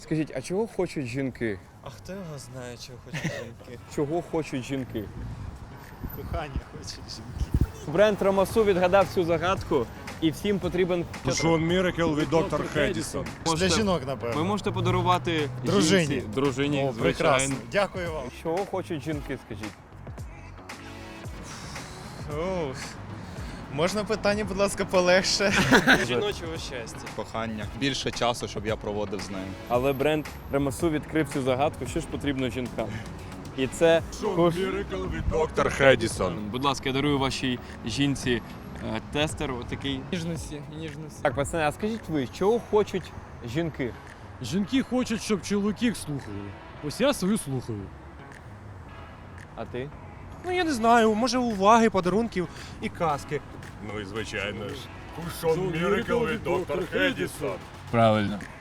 Скажіть, а чого хочуть жінки? А хто його знає, чого хочуть жінки? Чого хочуть жінки? Кохання хочуть жінки. Бренд Ромасу відгадав цю загадку, і всім потрібен Шон Міракл від доктор Хедісон. Для жінок, напевно. Ви можете подарувати Дружині. жінці, дружині, О, прекрасно. звичайно. Дякую вам. Чого хочуть жінки, скажіть? Можна питання, будь ласка, полегше? Жіночого щастя. Кохання. Більше часу, щоб я проводив з нею. Але бренд Ромасу відкрив цю загадку, що ж потрібно жінкам. І це... Міракл від доктор Хедісон. Будь ласка, я дарую вашій жінці тестер отакий. Ніжності, ніжності. Так, пацани, а скажіть ви, чого хочуть жінки? Жінки хочуть, щоб чоловіки їх слухали. Ось я свою слухаю. А ти? Ну я не знаю, може уваги, подарунків і казки. Ну і звичайно ж. Шон Міракл від доктор Хедісон. Правильно.